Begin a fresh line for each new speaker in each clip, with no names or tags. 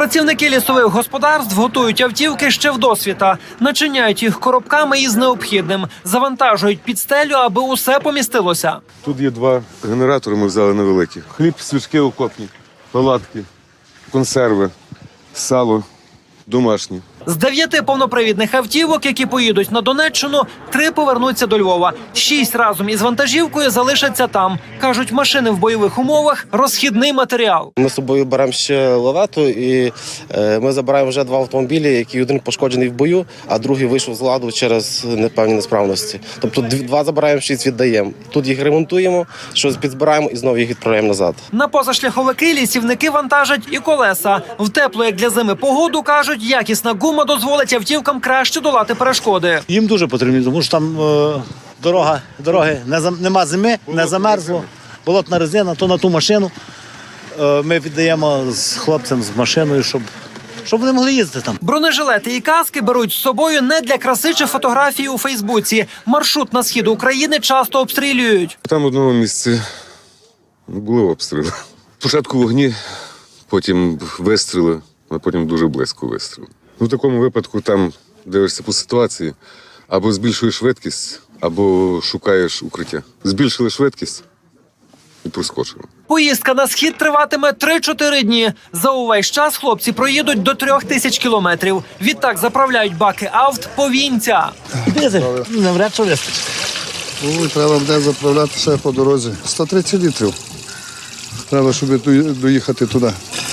Працівники лісових господарств готують автівки ще вдосвіта, начиняють їх коробками із необхідним, завантажують під стелю, аби усе помістилося.
Тут є 2 генератори, ми взяли невеликі. Хліб, свічки окопні, палатки, консерви, сало домашнє.
З 9 повнопривідних автівок, які поїдуть на Донеччину, 3 повернуться до Львова. 6 разом із вантажівкою залишаться там. Кажуть, машини в бойових умовах – розхідний матеріал.
Ми з собою беремо ще лавету і ми забираємо вже 2 автомобілі, які один пошкоджений в бою, а другий вийшов з ладу через непевні несправності. Тобто 2 забираємо, 6 віддаємо. Тут їх ремонтуємо, щось підзбираємо і знову їх відправляємо назад.
На позашляховики лісівники вантажать і колеса. В теплу, як для зими, погоду, кажуть, якісна гума дозволить автівкам краще долати перешкоди.
Їм дуже потрібно, тому що там дороги нема зими, не замерзло, болотна резина, то на ту машину ми віддаємо з хлопцем, з машиною, щоб вони могли їздити там.
Бронежилети і каски беруть з собою не для краси чи фотографії у Фейсбуці. Маршрут на схід України часто обстрілюють.
Там в одному місці були обстріли. Спочатку вогні, потім вистріли, а потім дуже близько вистріли. В такому випадку там дивишся по ситуації, або збільшуєш швидкість, або шукаєш укриття. Збільшили швидкість і проскочили.
Поїздка на схід триватиме 3-4 дні. За увесь час хлопці проїдуть до 3000 кілометрів. Відтак заправляють баки авт повінця.
Дизель навряд чи вистачить.
Треба буде заправляти ще по дорозі. 130 літрів. Треба, щоб доїхати туди.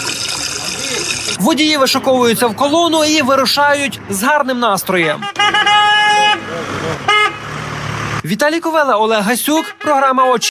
Водії вишуковуються в колону і вирушають з гарним настроєм. Віталій Ковела, Олег Гасюк, програма «Очі».